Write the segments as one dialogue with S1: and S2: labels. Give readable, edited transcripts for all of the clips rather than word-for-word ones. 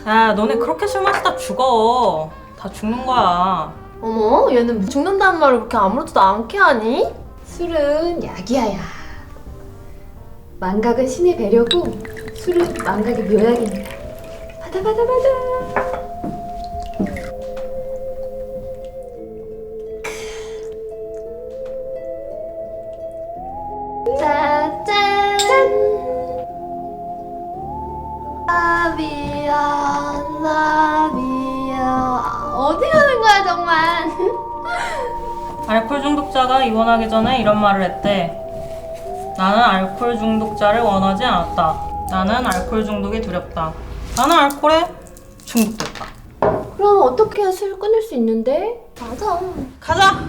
S1: 야, 너네 그렇게 술 마시다 죽어. 다 죽는 거야.
S2: 어머, 얘는 죽는다는 말을 그렇게 아무렇지도 않게 하니?
S3: 술은 약이야, 야. 망각은 신의 배려고 술은 망각의 묘약입니다. 받아.
S2: 짜잔! 나비야. 어디 가는 거야, 정말?
S1: 알코올 중독자가 입원하기 전에 이런 말을 했대. 나는 알코올 중독자를 원하지 않았다. 나는 알코올 중독이 두렵다. 나는 알코올에 중독됐다.
S2: 그럼 어떻게 해야 술 끊을 수 있는데? 맞아.
S1: 가자!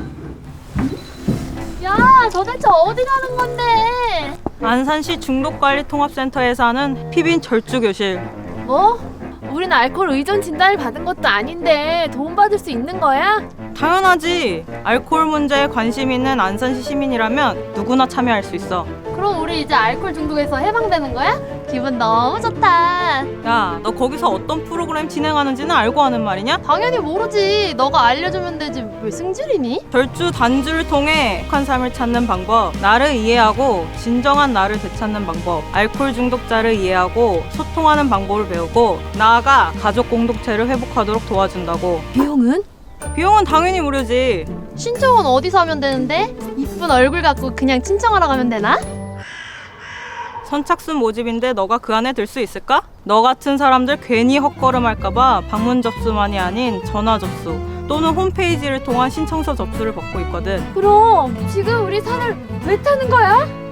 S2: 야, 도대체 어디 가는 건데?
S1: 안산시 중독관리통합센터에서 하는 피빈 절주교실.
S2: 뭐? 우린 알코올 의존 진단을 받은 것도 아닌데 도움받을 수 있는 거야?
S1: 당연하지. 알코올 문제에 관심 있는 안산시 시민이라면 누구나 참여할 수 있어.
S2: 그럼 우리 이제 알코올 중독에서 해방되는 거야? 기분 너무 좋다.
S1: 야, 너 거기서 어떤 프로그램 진행하는지는 알고 하는 말이냐?
S2: 당연히 모르지. 너가 알려주면 되지. 왜 승질이니?
S1: 절주 단주를 통해 행복한 삶을 찾는 방법, 나를 이해하고 진정한 나를 되찾는 방법, 알코올 중독자를 이해하고 소통하는 방법을 배우고 나아가 가족 공동체를 회복하도록 도와준다고.
S2: 비용은?
S1: 비용은 당연히 무료지.
S2: 신청은 어디서 하면 되는데? 이쁜 얼굴 갖고 그냥 신청하러 가면 되나?
S1: 선착순 모집인데 너가 그 안에 들 수 있을까? 너 같은 사람들 괜히 헛걸음할까봐 방문 접수만이 아닌 전화 접수 또는 홈페이지를 통한 신청서 접수를 받고 있거든.
S2: 그럼 지금 우리 산을 왜 타는 거야?